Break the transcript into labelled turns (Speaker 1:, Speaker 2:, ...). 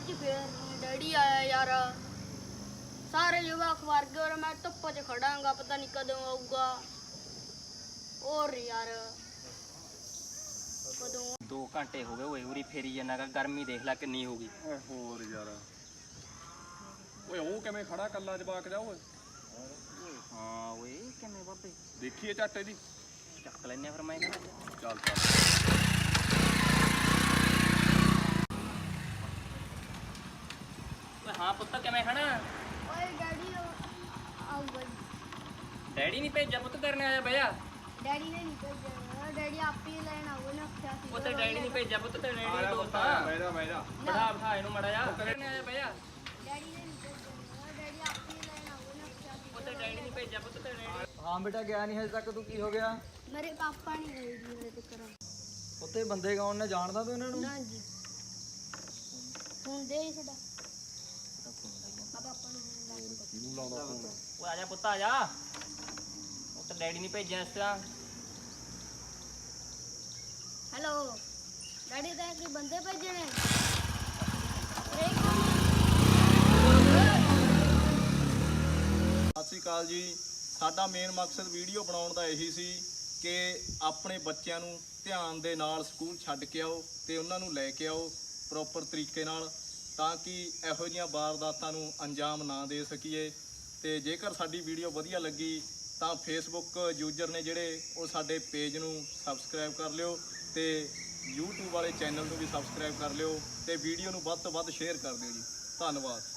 Speaker 1: ਅੱਜ ਫੇਰ ਨੀ ਡੈਡੀ ਆਇਆ ਯਾਰ। ਸਾਰੇ ਜਵਾਕ ਵਰ ਗਏ और मैं धुप्प च खड़ांगा, पता नहीं कदों आऊगा। और यार कदों
Speaker 2: 2 ਘੰਟੇ ਹੋ ਗਏ ਓਏ ਉਰੀ ਫੇਰੀ ਜਾਣਾ ਗਰਮੀ ਦੇਖ ਲੈ ਕਿੰਨੀ ਹੋ ਗਈ।
Speaker 3: ਓਏ ਹੋਰ ਯਾਰ ਓਏ ਉਹ ਕਿਵੇਂ ਖੜਾ ਕੱਲਾ ਜਵਾਕ ਜਾ ਓਏ।
Speaker 2: ਹਾਂ ਓਏ ਕਿਵੇਂ ਬਾਬੇ
Speaker 3: ਦੇਖੀਏ ਝੱਟ ਇਹਦੀ।
Speaker 2: ਚੱਕ ਲੈਨੇ ਫਿਰ ਮੈਂ ਕਹਿੰਦਾ
Speaker 3: ਚੱਲ ਚੱਲ
Speaker 2: ਓਏ ਹਾਂ ਪੁੱਤ ਕਿਵੇਂ ਖੜਾ।
Speaker 1: ओए डैडी आऊगा।
Speaker 2: ਡੈਡੀ ਨਹੀਂ ਭੇਜਿਆ ਪੁੱਤ ਕਰਨੇ ਆਇਆ ਭਈਆ।
Speaker 1: डैडी ने नहीं भेजा, डैडी आप ही लेना वो ना क्या थी।
Speaker 2: ਪੁੱਤ ਡੈਡੀ ਨਹੀਂ ਭੇਜਿਆ ਪੁੱਤ ਤੇ
Speaker 3: ਆ
Speaker 2: ਡੈਡੀ
Speaker 3: ਜਾ
Speaker 2: ਦੋਸਤ
Speaker 3: ਪੁੱਤ
Speaker 2: ਆ।
Speaker 3: ਬਹਿ ਜਾ ਬਹਿ ਜਾ।
Speaker 2: ਬੜਾ ਬਿਠਾ ਇਹਨੂੰ ਮੜਾ ਜਾ ਕਰਨੇ ਆਇਆ ਭਈਆ।
Speaker 1: डैडी ने नहीं भेजा, डैडी आप ही लेना वो ना क्या थी।
Speaker 2: ਪੁੱਤ ਡੈਡੀ ਨਹੀਂ ਭੇਜਿਆ ਪੁੱਤ ਤੇ ਡੈਡੀ।
Speaker 4: ਹਾਂ ਬੇਟਾ ਗਿਆ ਨਹੀਂ ਹਜੇ ਤੱਕ, ਤੂੰ ਕੀ ਹੋ ਗਿਆ?
Speaker 1: मेरे पापा नहीं गए जी मेरे तक।
Speaker 4: ਉੱਥੇ ਬੰਦੇ ਕੌਣ ਨੇ, ਜਾਣਦਾ ਤੂੰ ਇਹਨਾਂ ਨੂੰ?
Speaker 1: ना जी फोन दे छड़ा पापा ने
Speaker 3: ਇਹਨੂੰ ਲਾਉਂਦਾ ਫੋਨ।
Speaker 2: ਓਏ ਆ ਜਾ ਪੁੱਤ ਆ ਜਾ। ਪੁੱਤ ਡੈਡੀ ਨਹੀਂ ਭੇਜਿਆ ਇਸ ਤਰ੍ਹਾਂ।
Speaker 1: हेलो डैडी तो एक बंदे भेजे ने।
Speaker 3: ਸਤਿ ਸ਼੍ਰੀ ਅਕਾਲ ਜੀ। ਸਾਡਾ ਮੇਨ ਮਕਸਦ ਵੀਡੀਓ ਬਣਾਉਣ ਦਾ ਇਹੀ ਸੀ ਕਿ ਆਪਣੇ ਬੱਚਿਆਂ ਨੂੰ ਧਿਆਨ ਦੇ ਨਾਲ ਸਕੂਲ ਛੱਡ ਕੇ ਆਓ ਤੇ ਉਹਨਾਂ ਨੂੰ ਲੈ ਕੇ ਆਓ ਪ੍ਰੋਪਰ ਤਰੀਕੇ ਨਾਲ, ਤਾਂ ਕਿ ਇਹੋ ਜਿਹੀਆਂ ਵਾਰਦਾਤਾਂ ਨੂੰ ਅੰਜਾਮ ਨਾ ਦੇ ਸਕੀਏ। ਤੇ ਜੇਕਰ ਸਾਡੀ ਵੀਡੀਓ ਵਧੀਆ ਲੱਗੀ ਤਾਂ ਫੇਸਬੁੱਕ ਯੂਜ਼ਰ ਨੇ ਜਿਹੜੇ ਉਹ ਸਾਡੇ ਪੇਜ ਨੂੰ ਸਬਸਕ੍ਰਾਈਬ ਕਰ ਲਿਓ ਤੇ YouTube ਵਾਲੇ ਚੈਨਲ ਨੂੰ ਵੀ ਸਬਸਕ੍ਰਾਈਬ ਕਰ ਲਿਓ ਤੇ ਵੀਡੀਓ ਨੂੰ ਵੱਧ ਤੋਂ ਵੱਧ ਸ਼ੇਅਰ ਕਰ ਦਿਓ ਜੀ। ਧੰਨਵਾਦ।